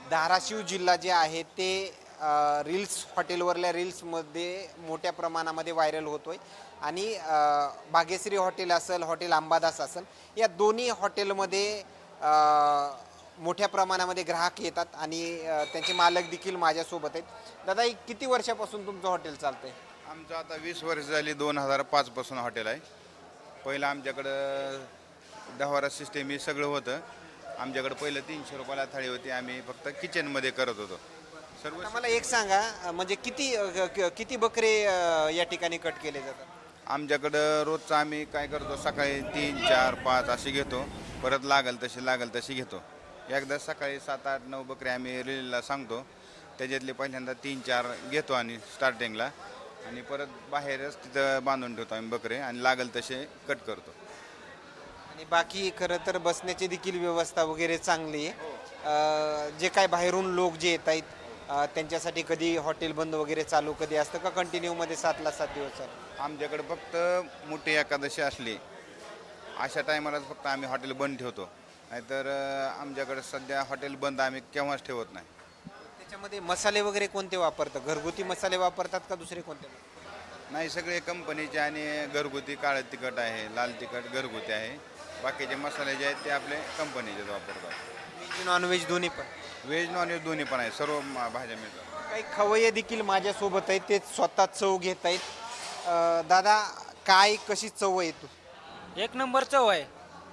धाराशिव जिल्हा जे आहे ते रील्स हॉटेलवरल्या रील्समध्ये मोठ्या प्रमाणामध्ये व्हायरल होतोय आणि भाग्यश्री हॉटेल असेल, हॉटेल अंबादास असेल, या दोन्ही हॉटेलमध्ये मोठ्या प्रमाणामध्ये ग्राहक येतात आणि त्यांचे मालक देखील माझ्यासोबत आहेत. दादा, किती वर्षापासून तुमचं हॉटेल चालतंय? आमचं आता 20 वर्ष झाली. 2005 पासून हॉटेल आहे. पहिलं आमच्याकडं दहावारा सिस्टीम हे सगळं होतं. आमच्याकडं पहिलं 300 रुपयाला थाळी होती. आम्ही फक्त किचनमध्ये करत होतो सर्व. आता मला एक सांगा, म्हणजे किती बकरे या ठिकाणी कट केले जातात? आमच्याकडं रोजचं आम्ही काय करतो, सकाळी 3, 4, 5 असे घेतो. परत लागल तशी घेतो. एकदा सकाळी 7, 8, 9 बकरे आम्ही रिलीला सांगतो. त्याच्यातले पहिल्यांदा 3, 4 घेतो आणि स्टार्टिंगला, आणि परत बाहेरच तिथं बांधून ठेवतो आम्ही बकरे, आणि लागल तसे कट करतो. आणि बाकी खरं तर बसण्याची देखील व्यवस्था वगैरे चांगली आहे. जे काय बाहेरून लोक जे येत आहेत त्यांच्यासाठी कधी हॉटेल बंद वगैरे चालू कधी असतं का कंटिन्यूमध्ये 7ला 7 दिवस चालू? आमच्याकडे फक्त मोठी एकादशी असली अशा टायमालाच फक्त आम्ही हॉटेल बंद ठेवतो. नाहीतर आमच्याकडे सध्या हॉटेल बंद आम्ही केव्हाच ठेवत नाही. त्याच्यामध्ये मसाले वगैरे कोणते वापरतात? घरगुती मसाले वापरतात का दुसरे कोणते? नाही, सगळे कंपनीचे आणि घरगुती. काळं तिखट आहे, लाल तिखट घरगुती आहे. बाकीचे मसाले जे आहेत ते आपले कंपनीचेच वापरतात. व्हेज नॉनव्हेज दोन्ही पण? व्हेज नॉनव्हेज दोन्ही पण आहे. सर्व भाज्या मिळतात. काही खवय्ये देखील माझ्यासोबत आहेत, ते स्वतः चव घेत आहेत. दादा, काय कशी चव आहे तू? एक नंबर चव आहे.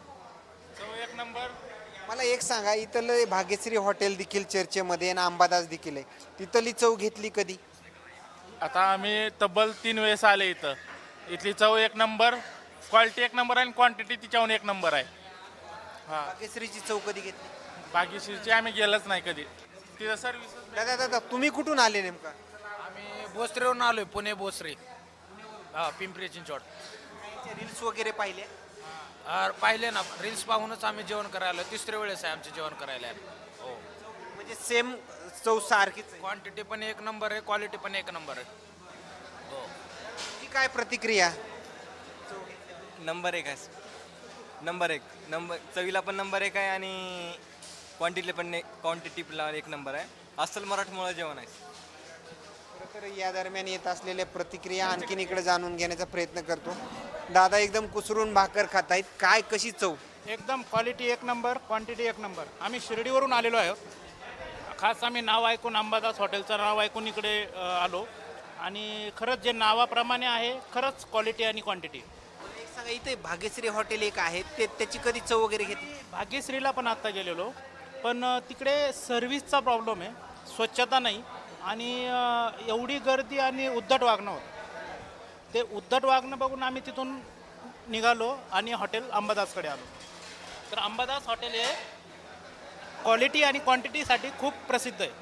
मला एक सांगा, इथलं भाग्यश्री हॉटेल देखील चर्चेमध्ये आणि अंबादास देखील आहे, तिथली चव घेतली कधी? आता आम्ही तब्बल 3 वेळेस आले इथं. इथली चव एक नंबर, क्वालिटी एक नंबर आणि क्वांटिटी तिच्याहून एक नंबर आहे. हां, भाग्यश्रीची चव कधी घेतली? बागेश्रीची आम्ही गेलंच नाही कधी. तिथं सर्व्हिस दादा, तुम्ही कुठून आले नेमका? आम्ही भोसरीवरून आलोय, पुणे भोसरी. हा, पिंपरी चिंचवड. रील्स वगैरे पाहिले? पाहिले ना, रील्स पाहूनच आम्ही जेवण करायला. तिसऱ्या वेळेस आहे आमचे जेवण करायला. हो, म्हणजे सेम चव सारखीच आहे. क्वांटिटी पण एक नंबर आहे, क्वालिटी पण एक नंबर आहे. हो. की काय प्रतिक्रिया? नंबर 1 आहे. नंबर 1 चवीला पण नंबर 1 आहे आणि क्वांटिटीला एक नंबर आहे. अस्सल मराठमोळं जेवण आहे. खरं तर या दरम्यान येत असलेल्या प्रतिक्रिया आणखीन इकडे जाणून घेण्याचा प्रयत्न करतो. दादा एकदम कुसरून भाकर खात आहेत. काय कशी चव? एकदम क्वालिटी एक नंबर, क्वांटिटी एक नंबर. आम्ही शिर्डीवरून आलेलो आहोत. खास आम्ही नाव ऐकून, अंबादास हॉटेलचं नाव ऐकून इकडे आलो, आणि खरंच जे नावाप्रमाणे आहे, खरंच क्वालिटी आणि क्वांटिटी. एक सांगा, इथे भाग्यश्री हॉटेल एक आहे, त्याची कधी चव वगैरे घेतली? भाग्यश्रीला पण आत्ता गेलेलो, पण तिकडे सर्व्हिसचा प्रॉब्लेम आहे, स्वच्छता नाही, आणि एवढी गर्दी आणि उद्धट वागणं होतं. ते उद्धट वागणं बघून आम्ही तिथून निघालो आणि हॉटेल अंबादासकडे आलो. तर अंबादास हॉटेल हे क्वालिटी आणि क्वांटिटीसाठी खूप प्रसिद्ध आहे.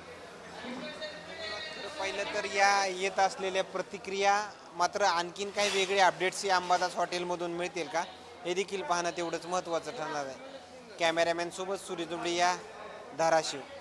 पहिलं तर या येत असलेल्या प्रतिक्रिया, मात्र आणखीन काही वेगळे अपडेट्स या अंबादास हॉटेलमधून मिळतील का, हे देखील पाहणं तेवढंच महत्त्वाचं ठरणार आहे. कॅमेरामॅन सोबत सूर्य दुबळे, या धाराशिव.